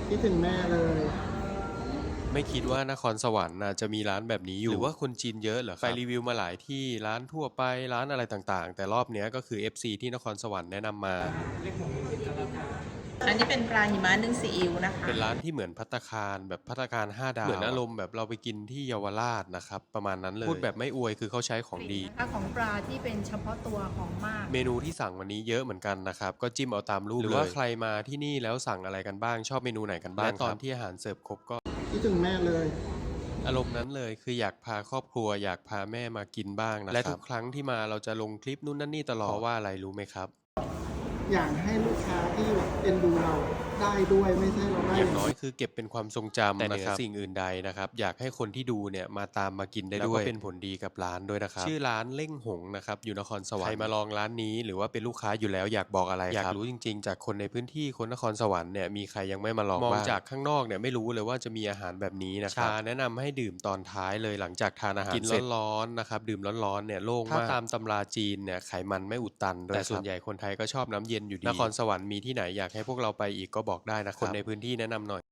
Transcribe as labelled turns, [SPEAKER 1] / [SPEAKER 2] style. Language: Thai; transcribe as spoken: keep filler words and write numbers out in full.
[SPEAKER 1] คิดถึงแม่เลย
[SPEAKER 2] ไม่คิดว่านครสวรรค์น่ะจะมีร้านแบบนี้อยู่หรือว่าคนจีนเยอะเหรอครับไปรีวิวมาหลายที่ร้านทั่วไปร้านอะไรต่างๆแต่รอบเนี้ยก็คือ เอฟ ซี ที่นครสวรรค์แนะนำมา
[SPEAKER 3] อันนี้เป็นปลาหิมะนึ่งซีอิ๊วนะคะ
[SPEAKER 2] เป็นร้านที่เหมือนภัตตาคารแบบภัตตาคารห้าดาวเหมือนอารมณ์แบบเราไปกินที่เยาวราชนะครับประมาณนั้นเลยพูดแบบไม่อวยคือเขาใช้ของดี
[SPEAKER 4] นะคะของปลาที่เป็นเฉพาะตัวของมาก
[SPEAKER 2] เมนูที่สั่งวันนี้เยอะเหมือนกันนะครับก็จิ้มเอาตามรูปเลยหรือว่าใครมาที่นี่แล้วสั่งอะไรกันบ้างชอบเมนูไหนกันบ้างและตอนที่อาหารเสิร์ฟครบก็
[SPEAKER 1] คิดถึงแม่เลย
[SPEAKER 2] อารมณ์นั้นเลยคืออยากพาครอบครัวอยากพาแม่มากินบ้างนะครับและทุกครั้งที่มาเราจะลงคลิปนู่นนั่นนี่ตลอดเพราะว่าอะไรรู้ไหมครับ
[SPEAKER 1] อยากให้ลูกค้าที่แบบเอ็นดูเราได้ด้วยไม่ใช่เราได้
[SPEAKER 2] อ
[SPEAKER 1] อย่าง
[SPEAKER 2] น้อยคือเก็บเป็นความทรงจำแต่เหนือสิ่งอื่นใดนะครับอยากให้คนที่ดูเนี่ยมาตามมากินได้ด้วยแล้วก็เป็นผลดีกับร้านด้วยนะครับชื่อร้านเล่งหงนะครับอยู่นครสวรรค์ใครมาลองร้านนี้หรือว่าเป็นลูกค้าอยู่แล้วอยากบอกอะไรอยากรู้จริงๆจากคนในพื้นที่คนนครสวรรค์เนี่ยมีใครยังไม่มาลองมองจากข้างนอกเนี่ยไม่รู้เลยว่าจะมีอาหารแบบนี้นะครับชาแนะนำให้ดื่มตอนท้ายเลยหลังจากทานอาหารกินร้อนๆนะครับดื่มร้อนๆเนี่ยโล่งมากถ้าตามตำราจีนเนี่ยไขมันไม่อุดตันแต่ส่วนใหญ่คนไทยก็ชอบน้ำเย็นอยู่ดีนครสวรรค์มีที่ไหนอยากให้พวกเราไปอีกก็บอกได้นะครับคนในพื้นที่แนะนำหน่อย